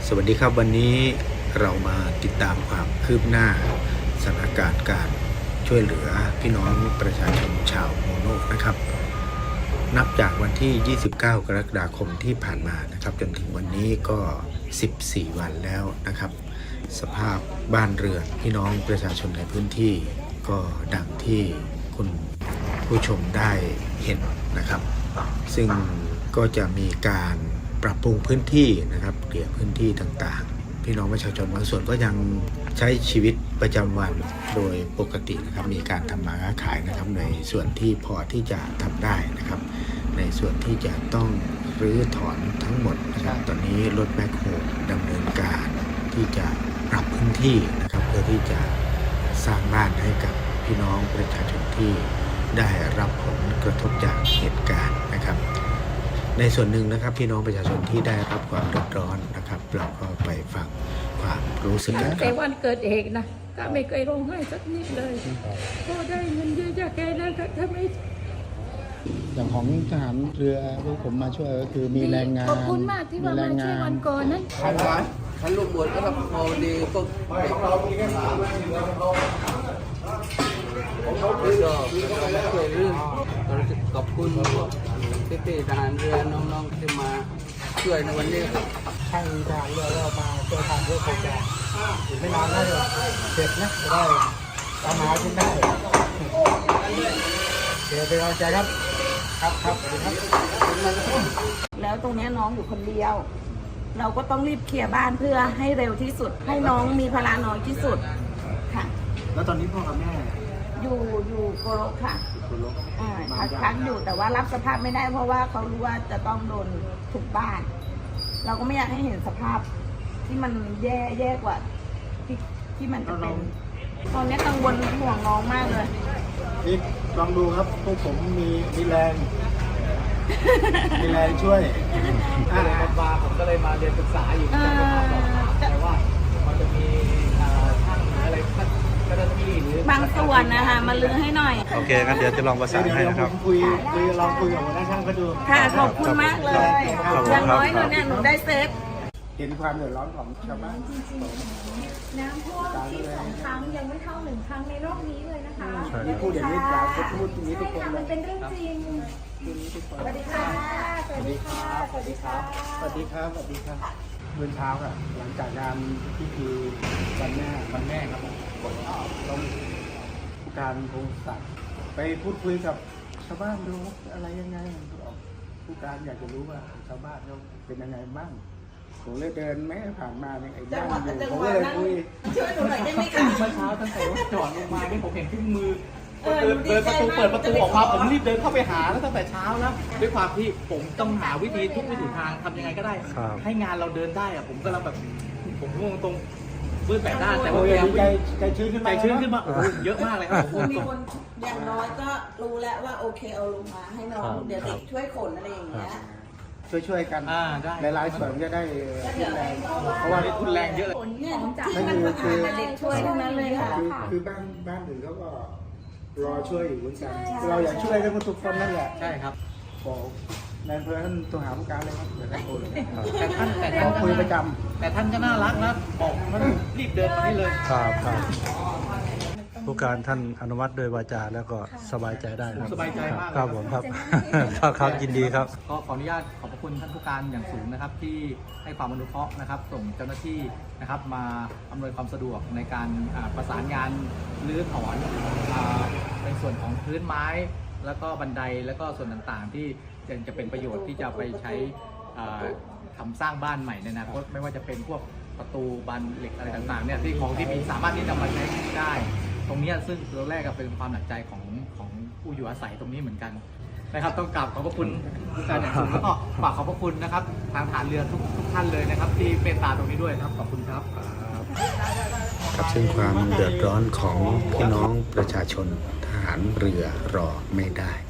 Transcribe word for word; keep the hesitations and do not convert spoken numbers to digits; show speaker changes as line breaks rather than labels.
สวัสดีครับวันนี้เรามาติดตามความคืบหน้าสถานการณ์การช่วยเหลือพี่น้องประชาชนชาวโมโนกนะครับนับจากวันที่ ยี่สิบเก้า กรกฎาคมที่ผ่านมานะครับจนถึงวันนี้ก็ สิบสี่ วันแล้วนะครับสภาพบ้านเรือนพี่น้องประชาชนในพื้นที่ก็ดังที่คุณผู้ชมได้เห็นนะครับซึ่งก็จะมีการปรับปรุงพื้นที่นะครับเกลี่ยพื้นที่ต่างๆพี่น้องประชาชนบางส่วนก็ยังใช้ชีวิตประจำวันโดยปกตินะครับมีการทำมาค้าขายนะครับในส่วนที่พอที่จะทำได้นะครับในส่วนที่จะต้องรื้อถอนทั้งหมดนะครับตอนนี้รถแบ็คโฮดำเนินการที่จะปรับพื้นที่นะครับเพื่อที่จะสร้างบ้านให้กับพี่น้องประชาชนที่ได้รับผลกระทบจากเหตุการณ์นะครับในส่วนหนึ่งนะครับพี่น้องประชาชนที่ได้รับความเดือดร้อนนะครับเราก็ไปฟังความรู้สึกกันค
แต่
รับ
วันเกิดเหตุนะก็ไม่เคยร้องไห้สักนิดเลยก็ได้เงินเยอะจากแกนั้นถ้าไม่
อย่างของทหารเรือพวกผมมาช่วยก็คือมีแรงงาน
ขอบคุณมากที่ว่ามาช่วยวันก่อนนั้น
ท่านว่าท่านลูกบวชก็พอดีก็ก็ช่วยเรื่องขอบคุณพวกพี่ๆทหารเรือน้องๆที่มาช่วยในวันนี้ครับ
ใช่ทหารเรือเรามาช่วยทำเพื่อโครงการอีกไม่นานน่าจะเสร็จนะจะได้ตามหาขึ้นได้เดี๋ยวเป็นกำลังใจครับครับครับสวัสดีครับ
แล้วตรงนี้น้องอยู่คนเดียว เราก็ต้องรีบเคลียร์บ้านเพื่อให้เร็วที่สุด ให้น้องมีภาระน้อยที่สุดค่ะ
แล้วตอนนี้พ่อกับแม่
อยู่อยู่โกโรค่ะ
คุณลบ
อ่าพักพักอยู่แต่ว่ารับสภาพไม่ได้เพราะว่าเขารู้ว่าจะต้องโดนทุบบ้าน เราก็ไม่อยากให้เห็นสภาพที่มันแย่แย่กว่าที่ที่มันจะเป็น ตอนนี้กังวลห่วงน้องมากเลย
นี่ลองดูครับพวกผมมีมีแรงมีแรงช่วยอ่ามาผมก็เลยมาเรียนศึกษาอยู่
เออ
แต่ว่ามันจะมีช่างอะไรเจ้าหน้าที่หรือบ
างส่วนนะคะมาลื้อให้หน่อย
โอเคครับเดี๋ยวจะลองประสานให้นะครับ
คุยคุยลองคุยกับหัวหน้าช่างก็ดู
ค่ะขอบคุณมากเลย
ขอบคุณครับ
อย่างน้อยหนูเนี่ยหนูได้เซฟ
เห็นความเดือดร้อนของชาวบ้าน
น้ำท่วมที่สองครั้งยังไม่เท่าหนึ่งครั้งในรอบนี้เลยนะคะ
ที่พูดอย่างนี้จะพูดอย่างนี้ทุกคน
ค่ะ
เล
มัน
ย
เป็นเรื่องจริง สวัสดีค่ะ สวัสดีค่ะ สวัสดีค่ะ
สวัสดีครับสวัสดีครับเมื่อเช้าค่ะหลังจากงานพิธีวันแม่วันแม่ครับผมต้องผู้การพงศักดิ์ไปพูดคุยกับชาวบ้านดูอะไรยังไงผู้การอยากจะรู้ว่าชาวบ้านเขาเป็นยังไงบ้างผมเลยเดินแม่ผ่านมาเนี่ยไอ้บ้านอยู่ผมก็เลยคุย
ช่วยหนูหน่อยได้ไหมคะ
เมื่อเช้าตั้งแต่รถจอดลงมาที่ผมเห็นที่มือเดินเดินประตูเปิดประตูออกมาผมรีบเดินเข้าไปหาแล้วตั้งแต่เช้าแล้วด้วยความที่ผมต้องหาวิธีทุกวิถีทางทำยังไงก็ได้
ครับ
ให้งานเราเดินได้อะผมก็เราแบบผมงงตรงมืดแปดด้านแต่ว่า
โอ้ย
แก
ใจใจชื้นขึ้น
ใจ
มา
ชื้นขึ้นมาโอ้โหเยอะมากเลยครับผม
มีคนอย่างน้อยก็รู้แล้วว่าโอเคเอาลงมาให้น้องเดี๋ยวเด็กช่วยขนอะไรอย่างเงี้ย
ช่วยช่วยๆกัน
อ่าได้
หลายๆส่วนจะได้ทุนแรงเพราะว่า
ได้ทุนแรงเยอะเลย
ขนเนี่ยที่มันมาอ่านเด็กช่วยทั้งนั้นเลยค่ะ
คือคือบ้านบ้านอื่นเขาก็รอช่วยอยู่เหมือนกันเราอยากช่วยกันทุกคนนั่นแหละ
ใช่ครับ
บอกนายอำเภอท่านตัวหาผู้การเลยครับเดี๋ยวท่านโอนเลย
แต่ท่านแต่
เรา
ท่าน
คุยประจ
แต่ท่านก็น่ารักนะบอกมันรีบเดินมานี่เลย
ครับครับผู้การท่านอนุมัติโดยวาจาแล้วก็สบายใจได้ครับ
สบายใจมากเลย
ครับผมครับ ครับครับยินดีครับ
ก็ขออนุญาตขอบพระคุณท่านผู้การอย่างสูงนะครับที่ให้ความอนุเคราะห์นะครับ ส่งเจ้าหน้าที่นะครับมาอำนวยความสะดวกในการอ่าประสานงานรื้อถอนอ่าในส่วนของพื้นไม้ แล้วก็บันไดแล้วก็ส่วนต่างๆ ที่ยังจะเป็นประโยชน์ที่จะไปใช้อ่าทำสร้างบ้านใหม่ในอนาคตไม่ว่าจะเป็นพวกประตูบานเหล็กอะไรต่างๆเนี่ยที่ของที่มีสามารถที่จะมาใช้ได้ ตรงนี้ซึ่งตัวแรกก็เป็นความหนักใจของของผู้อยู่อาศัยตรงนี้เหมือนกันนะครับต้องกราบขอบพระคุณผู้การอย่างสูงแล้วก็ฝากขอบพระคุณนะครับทางฐานเรือทุกทุกท่านเลยนะครับที่เมตตาตรงนี้ด้วยครับขอบคุณครับ
ครับซึ่งความเดือดร้อนของพี่น้องประชาชนทหารเรือรอไม่ได้